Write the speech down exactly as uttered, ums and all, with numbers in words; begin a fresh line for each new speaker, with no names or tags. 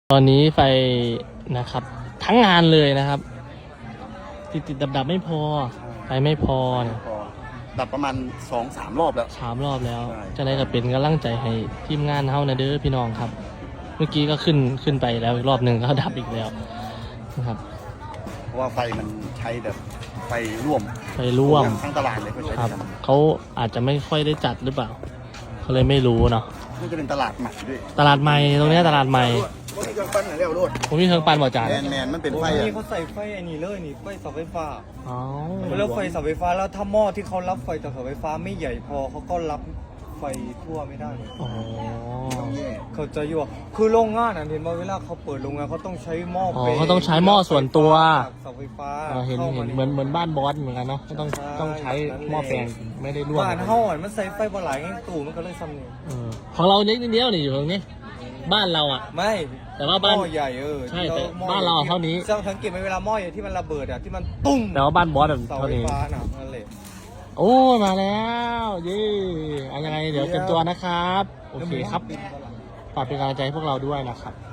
ตอนนี้ไฟนะครับทั้งงานเลยนะครับ ติดติดดับดับไม่พอไฟไม่พอเนี่ย
ดับประมาณสองสามรอบแล้ว
สามรอบแล้ว
ใช่
จะได้กับเป็นกำลังใจให้ทีมงานเฮานะเด้อพี่น้องครับ เมื่อกี้ก็ขึ้นขึ้นไปแล้วอีกรอบหนึ่งก็ดับอีกแล้วนะครับ
เพราะว่าไฟมันใช้แบบไฟร่วม
ไฟร่วม
ทั้งตลาดเลยก็ใช้
ครับ
กัน
เขาอาจจะไม่ค่อยได้จัดหรือเปล่าเขาเลยไม่รู้เนาะ
นี่จะเป็นตลาดใหม่ด้วย
ตลาดใหม่ตรงเนี้ยตลาดใหม่
ว่าที่เครื่องปั้นไหนเรียกรถ
ผมมีเครื่องปั่นบ่จาน
แมนแมนมันเป็นไฟ
โอ้ย
อะ
นี่เขาใส่ไฟอันนี้เลยนี่ไฟเสาไฟฟ้า
อ๋อ
แล้วไฟเสาไฟฟ้าแล้วถ้าหม้อที่เขารับไฟจากเสาไฟฟ้าไม่ใหญ่พอเขาก็รับไฟทั่วไม่ได้
อ๋อ
เขาจะอยู่คือโรงงานอ่ะเห็นว่าเวลาเขาเปิดโรงงานเขาต้องใช้หม้อ
อ๋อ
ป
เขาต้องใช้หม้อส่วนตัว
จากเสาไฟฟ้า
อ่าเห็น
ข้า
เห็น
มา
เหมือนเหมือนบ้านบอสเหมือนกันเนาะก็ต้อง
ใช่
ต้องใช้
นั่นแหละ
หม้อแปลงไม่ได้ร่วม
บ้านเฮาอ่ะมันใส่ไฟบ่หลายไงตู่มันก็เลยซ้ำนี่
เออของเรานิดเดียวนี่อยู่ตรงนี้ บ้านเราอ่ะ
ไม่
แต่ว่าบ้าน
หม้อใหญ่เออ
ใช่
ที่
แต่
หม้อ
บ้านเราเท่านี้
สังเกตไหมเวลาหม้อใหญ่ที่มันระเบิดอ่ะที่มันตุ้ม
แต่ว่าบ้านบอสแบบ
เสา
เท่า
ไฟ
นี้
ฟ้าน่ะนั่นแหละ
โอ้มาแล้วเย่เอายังไงเดี๋ยวเตรียมตัวนะครับโอเคครับฝากเป็นกำลังใจให้พวกเราด้วยนะครับ